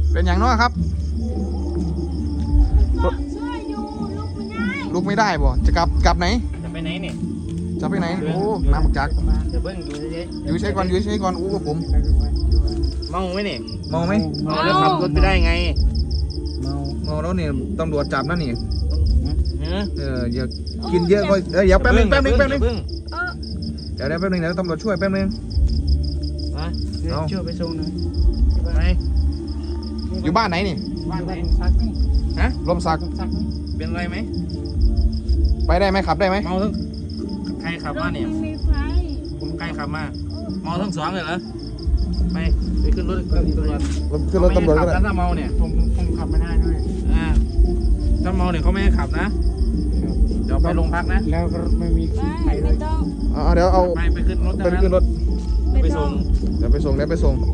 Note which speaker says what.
Speaker 1: เป็นอย่างน้อยครับ
Speaker 2: ช่วยอยู่ลุกไม่ได้
Speaker 1: ลุกไม่ได้บ่จะกลับไหน
Speaker 3: จะไปไหนเนี่ย
Speaker 1: จะไปไหนโอ้น้ำบักจัก
Speaker 3: เดี๋ยวเบิ้งอยู่เฉย
Speaker 1: อยู่ใช้ก่อนอยู่ใช้ก่อนอู้กับผม
Speaker 3: ๆเมาไหมเนี่ย
Speaker 1: มองไหม
Speaker 3: เมาแล้วขับรถไปได้ไง
Speaker 1: มองแล้วเนี่ยตำรวจจับนั่นนี่
Speaker 3: เออ
Speaker 1: อย่ากินเยอะก็เดี๋ยวแป๊บนึง
Speaker 3: อย่าเพิ่ง
Speaker 1: เดี๋ยวแป๊บนึงเดี๋ยวตำรวจช่วยแป๊บนึง
Speaker 3: มา
Speaker 1: เอา
Speaker 3: ช่วยไปส่งหน่อยไป
Speaker 1: อยู่บ้านไหนนี่
Speaker 3: บ้านไหน
Speaker 1: ฮะลมสัก
Speaker 3: เป็นไรไหม
Speaker 1: ไปได้ไหมขับได้ไหม
Speaker 3: เมาทั้งใครขับ
Speaker 2: ร
Speaker 3: มา
Speaker 2: ถ
Speaker 3: เนี่ย
Speaker 2: ไม่มีไฟ
Speaker 3: ผมใครขับมาเมาทั้งสองเลยเหรอไปขึ้นรถตำรวจ
Speaker 1: ขึ้นรถตำรวจก็
Speaker 3: เขาไม่ให้ขับ
Speaker 1: ได้
Speaker 3: นะถ้าเมาเนี่ย
Speaker 4: ผมขับไม่ได้ด้วย
Speaker 3: ถ้าเมาเนี่ยเขาไม่ให้ขับนะเดี๋ยวไปโรงพักนะ
Speaker 4: แล้วก็ไม่มี
Speaker 2: ไม่ไม่ต้อง
Speaker 1: เดี๋ยวเอา
Speaker 3: ไปขึ้นรถ
Speaker 1: ไปขึ้นรถ
Speaker 3: ไปส่ง
Speaker 1: เดี๋ยวไปส่ง